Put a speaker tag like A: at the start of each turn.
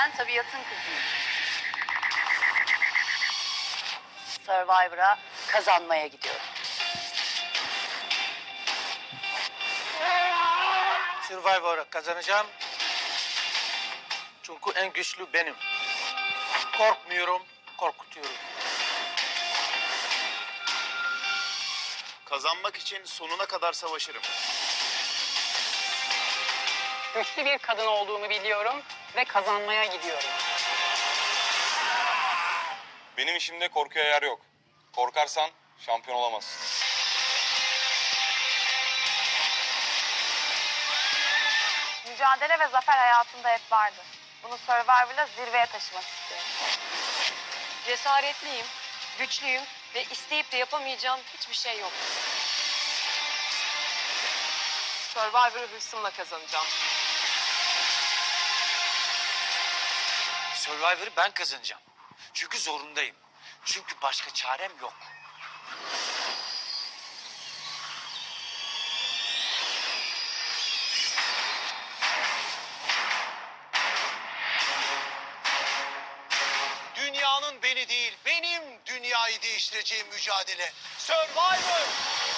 A: Ben tabiatın kızıyım. Survivor'a kazanmaya gidiyorum.
B: Survivor'ı kazanacağım. Çünkü en güçlü benim. Korkmuyorum, korkutuyorum.
C: Kazanmak için sonuna kadar savaşırım.
D: Güçlü bir kadın olduğumu biliyorum ve kazanmaya gidiyorum.
E: Benim işimde korkuya yer yok. Korkarsan şampiyon olamazsın.
F: Mücadele ve zafer hayatımda hep vardı. Bunu Survivor'la zirveye taşımak istiyorum.
G: Cesaretliyim, güçlüyüm ve isteyip de yapamayacağım hiçbir şey yok.
H: Survivor'ı hırsımla kazanacağım.
B: Survivor'ı ben kazanacağım. Çünkü zorundayım. Çünkü başka çarem yok.
I: Dünyanın beni değil, benim dünyayı değiştireceğim mücadele. Survivor!